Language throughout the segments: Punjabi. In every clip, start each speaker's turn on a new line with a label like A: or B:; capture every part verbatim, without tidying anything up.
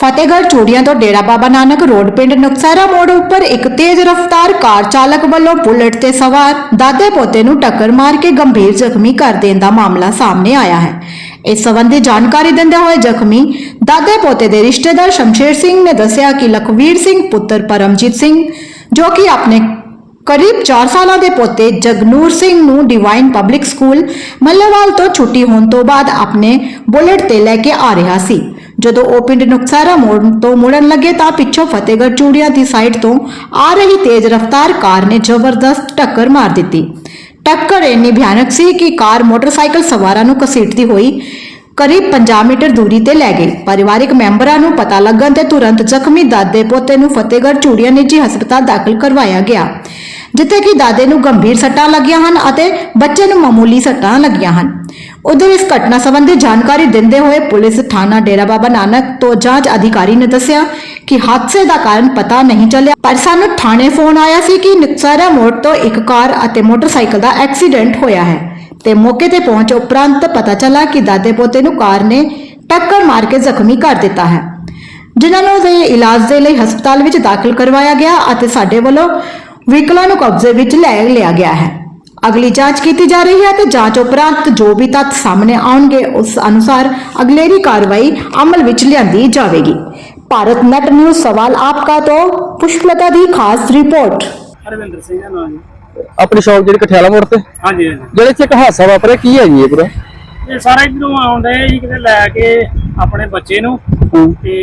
A: फतेहगढ़ चूड़ियां तो डेरा बाबा नानक रोड पिंड नुकसारा मोड़ उपर एक तेज रफ्तार कार चालक वालों बुलेट ते सवार दादे पोते नूं टक्कर मार के गंभीर जख्मी कर देने का मामला सामने आया है। इस संबंधी जानकारी देंदे हुए जख्मी दादे पोते के रिश्तेदार शमशेर सिंह ने दस्सिया कि लखवीर सिंह पुत्र परमजीत सिंह जो कि अपने करीब चार साल के पोते जगनूर सिंह नूं डिवाइन पब्लिक स्कूल मल्लेवाल तो छुट्टी होने तो बाद अपने बुलेट ते लैके आ रहा सी। ਜਦੋਂ ਉਹ ਪਿੰਡ ਨੁਕਸਾਰਾ ਮੋੜ ਤੋਂ ਮੁੜਨ ਲੱਗੇ ਤਾਂ ਪਿੱਛੋਂ ਫਤਿਹਗੜ੍ਹ ਚੂੜੀਆਂ ਦੀ ਸਾਈਡ ਤੋਂ ਆ ਰਹੀ ਤੇਜ਼ ਰਫ਼ਤਾਰ ਕਾਰ ਨੇ ਜ਼ਬਰਦਸਤ ਟੱਕਰ ਮਾਰ ਦਿੱਤੀ। ਟੱਕਰ ਇੰਨੀ ਭਿਆਨਕ ਸੀ ਕਿ ਕਾਰ ਮੋਟਰਸਾਈਕਲ ਸਵਾਰਾਂ ਨੂੰ ਘਸੀਟਦੀ ਹੋਈ करीब पचास मीटर दूरी ते लै गई। परिवारिक मैंबरां नूं पता लगन ते तुरंत जख्मी दादे पोते नूं फतेहगढ़ चूड़ियां निजी हस्पताल दाखिल करवाया गया, जिथे कि दादे नूं गंभीर सट्टां लगियां हन अते बच्चे नूं मामूली सट्टां लगियां हन। उधर इस घटना संबंधी जानकारी देंदे हुए पुलिस थाना डेरा बाबा नानक तो जांच अधिकारी ने दस्सिया कि हादसे का कारण पता नहीं चलिया, पर सानूं थाने फोन आया सी कि नुकसारा मोड़ तो एक कार अते मोटरसाइकिल का एक्सीडेंट होया है ते मौके ते पहुंच उपरंत पता चला कि दादे पोते नूं कार ने टक्कर मार के जख्मी कर दिता है, जिन्हां नूं दे इलाज दे लई हस्पताल विच दाखिल करवाया गया अते साडे वल्लों व्हीकलां नूं कब्जे विच लै लिया गया है। अगली जांच की जा रही है ते जांच उपरंत जो भी तथ्य सामने आउणगे उस अनुसार अगलेरी कार्रवाई अमल विच लिआंदी जावेगी। भारत नेट न्यूज़ सवाल आपका तो पुष्पलता दी खास रिपोर्ट।
B: हरविंदर सिंह नाम है
C: अपनी शॉप जी कठियाला मोड़ से
B: हाँ जी
C: जेड़े च एक हादसा वापरिया की है जी पूरा
B: ये सारा इधरों आउंदे जी किते लैके अपने बच्चे नूं ते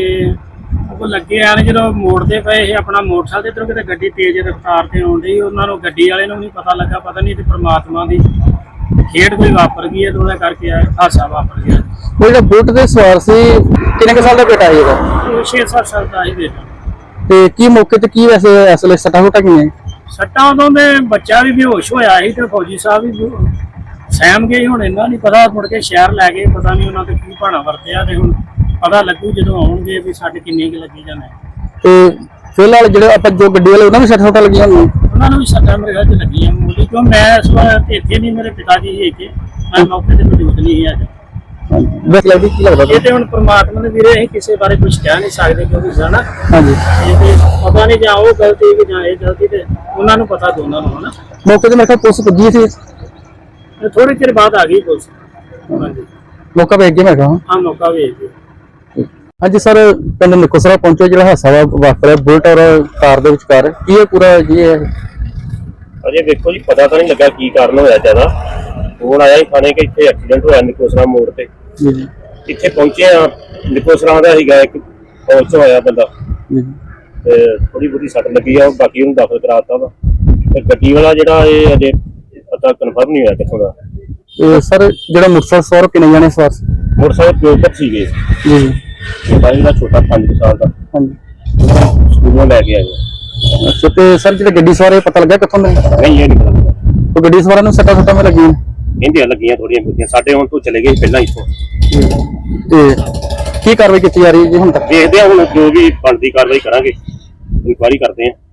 B: ਉਹ ਲੱਗੇ ਆਣ ਜਦੋਂ ਮੋੜਦੇ ਪਏ ਇਹ ਆਪਣਾ ਮੋਟਰਸਾਈਕਲ ਇਧਰੋਂ ਕਿਤੇ ਗੱਡੀ ਤੇਜ਼ ਰਫ਼ਤਾਰ ਤੇ ਆਉਂਦੀ ਉਹਨਾਂ ਨੂੰ ਗੱਡੀ ਵਾਲੇ ਨੂੰ ਨਹੀਂ ਪਤਾ ਲੱਗਾ, ਪਤਾ ਨਹੀਂ ਤੇ ਪ੍ਰਮਾਤਮਾ ਦੀ ਖੇਡ ਕੋਈ ਵਾਪਰ ਗਈ ਹੈ ਉਹਦਾ ਕਰਕੇ ਹਾਦਸਾ ਵਾਪਰ ਗਿਆ।
C: ਉਹ ਜਿਹੜਾ ਬੁਲਟ ਤੇ ਸਵਾਰ ਸੀ ਕਿੰਨੇ ਕੁ ਸਾਲ ਦਾ ਬੇਟਾ ਹੈ ਇਹਦਾ?
B: ਛੇ ਸੱਤ ਸਾਲ ਦਾ ਹੀ ਬੇਟਾ।
C: ਤੇ ਕੀ ਮੌਕੇ ਤੇ ਕੀ ਵੈਸੇ ਅਸਲੇ ਸੱਟਾਂ ਸੁੱਟਾਂ ਕਿੰਨੇ?
B: ਸੱਟਾਂ ਉਦੋਂ ਦੇ ਬੱਚਾ ਵੀ ਬੇਹੋਸ਼ ਹੋਇਆ ਸੀ ਤੇ ਫੌਜੀ ਸਾਹਿਬ ਵੀ ਸਹਿਮ ਗਏ, ਹੁਣ ਇਹਨਾਂ ਨਹੀਂ ਪਤਾ ਮੁੜ ਕੇ ਸ਼ਹਿਰ ਲੈ ਗਏ, ਪਤਾ ਨਹੀਂ ਉਹਨਾਂ ਤੇ ਕੀ ਭਾਣਾ ਵਰਤਿਆ ਤੇ ਹੁਣ ਪਤਾ ਲੱਗੂ ਜਦੋਂ ਆਉਣਗੇ ਵੀ ਸਾਡੇ ਕਿੰਨੇ ਕੁ ਲੱਗੀ ਜਾਣੇ। ਤੇ ਫਿਲਹਾਲ ਜਿਹੜੇ ਆਪਾਂ ਜੋ ਗੱਡੀ ਵਾਲੇ ਉਹਨਾਂ ਨੂੰ ਸੱਟਾਂ ਸੁੱਟਾਂ ਲੱਗੀਆਂ ਹੋਈਆਂ ਉਹਨਾਂ ਨੂੰ ਵੀ ਸੱਟਾਂ ਮੇਰੇ ਖਿਆਲ 'ਚ ਲੱਗੀਆਂ ਮੂਲੀ, ਕਿਉਂ ਮੈਂ ਇਸ ਵਾਰ ਇੱਥੇ ਨਹੀਂ, ਮੇਰੇ ਪਿਤਾ ਜੀ ਹੀ ਇੱਥੇ, ਮੈਂ ਮੌਕੇ ਤੇ ਮੌਜੂਦ ਨਹੀਂ ਸੀ ਅੱਜ।
C: ਬਸ ਲੱਗਦੀ ਕੀ ਲੱਗਦਾ
B: ਇਹ ਤੇ ਹੁਣ ਪ੍ਰਮਾਤਮਾ ਦੇ ਵੀਰੇ ਅਸੀਂ ਕਿਸੇ ਬਾਰੇ ਕੁਝ ਕਹਿ ਨਹੀਂ ਸਕਦੇ ਕਿਉਂਕਿ ਸਾਡਾ
C: ਹਾਂਜੀ
B: ਇਹ ਤੇ ਪਤਾ ਨਹੀਂ ਜਾਂ ਉਹ ਗਲਤੀ ਕਿ ਜਾਂ ਇਹ ਗਲਤੀ ਤੇ ਉਹਨਾਂ ਨੂੰ ਪਤਾ ਦੋਨਾਂ ਨੂੰ ਹਨਾ।
C: ਮੌਕੇ ਤੇ ਮੇਰੇ ਕੋਲ ਪੁਲਿਸ ਪੁੱਜੀ ਸੀ
B: ਥੋੜੇ ਚਿਰ ਬਾਅਦ ਆ ਗਈ ਪੁਲਿਸ। ਹਾਂਜੀ
C: ਮੌਕਾ ਵੇਖ ਕੇ ਮੈਂ ਕਹਾਂ
B: ਹਾਂ ਮੌਕਾ ਵੇਖ ਕੇ।
C: ਹਾਂਜੀ ਸਰ ਪਿੰਡ ਨੁਕਸਰਾ ਪਹੁੰਚੇ ਜਿਹੜਾ ਹਾਦਸਾ ਵਾਪਰਿਆ ਬੁਲਟ ਔਰ ਕਾਰ ਦੇ ਵਿਚਕਾਰ ਕੀ ਇਹ ਪੂਰਾ ਜੀ ਹੈ?
D: ਅਜੇ ਵੇਖੋ ਜੀ ਪਤਾ ਤਾਂ ਨਹੀਂ ਲੱਗਾ ਕੀ ਕਾਰਨ ਹੋਇਆ ਜ਼ਿਆਦਾ। ਫੋਨ ਆਇਆ ਹੀ ਥਾਣੇ ਕਿ ਇੱਥੇ ਐਕਸੀਡੈਂਟ ਹੋਇਆ ਨਿਕੋਸਰਾ ਮੋੜ ਤੇ।
C: ਜੀ ਜੀ
D: ਇੱਥੇ ਪਹੁੰਚੇ ਆ, ਨਿਕੋਸਰਾ ਦਾ ਸੀਗਾ ਇੱਕ ਫੌਜ 'ਚ ਹੋਇਆ ਬੰਦਾ ਤੇ ਥੋੜੀ ਬਹੁਤੀ ਸੱਟ ਲੱਗੀ ਆ, ਬਾਕੀ ਉਹਨੂੰ ਦਾਖਲ ਕਰਾ ਦਿੱਤਾ ਵਾ। ਤੇ ਗੱਡੀ ਵਾਲਾ ਜਿਹੜਾ ਇਹ ਅਜੇ ਪਤਾ ਕਨਫਰਮ ਨਹੀਂ ਹੋਇਆ ਕਿੱਥੋਂ ਦਾ।
C: ਤੇ ਸਰ ਜਿਹੜਾ ਮੁਰਸਾ ਸੌਰ ਕਿੰਨੇ ਜਾਣੇ ਸਵਾਰ ਸੀ?
D: ਮੋਟਰਸਾਈਕਲ ਦੋ ਤੱਕ ਸੀਗੇ
C: ਜੀ ਜੀ
D: ਛੋਟਾ ਜਿਹੜਾ ਛੋਟਾ ਪੰਜ ਸਾਲ ਦਾ
C: ਹਾਂਜੀ
D: ਸਕੂਲੋਂ ਲੈ ਕੇ ਆਏ।
C: ਅੱਛਾ ਤੇ ਸਰ ਜਿਹੜੇ ਗੱਡੀ ਸਵਾਰ ਪਤਾ ਲੱਗਾ ਕਿੱਥੋਂ ਦੇ?
D: ਨਹੀਂ ਇਹ ਨਹੀਂ ਪਤਾ ਲੱਗਾ।
C: ਉਹ ਗੱਡੀ ਸਵਾਰਾਂ ਨੂੰ ਸੱਟਾਂ ਸੁੱਟਾਂ ਲੱਗੀਆਂ
D: ਕਹਿੰਦੇ ਲੱਗੀਆਂ ਥੋੜੀਆਂ ਬਹੁਤੀਆਂ, ਸਾਡੇ ਹੁਣ ਤੋਂ ਚਲੇ ਗਏ ਪਹਿਲਾਂ ਇੱਥੋਂ।
C: ਤੇ ਕੀ ਕਾਰਵਾਈ ਕੀਤੀ ਜਾ ਰਹੀ ਹੈ ਜੀ ਹੁਣ ਤੱਕ?
D: ਦੇਖਦੇ ਆ ਹੁਣ ਜੋ ਵੀ ਬਣਦੀ ਕਾਰਵਾਈ ਕਰਾਂਗੇ, ਇਨਕੁਆਇਰੀ ਕਰਦੇ ਆ।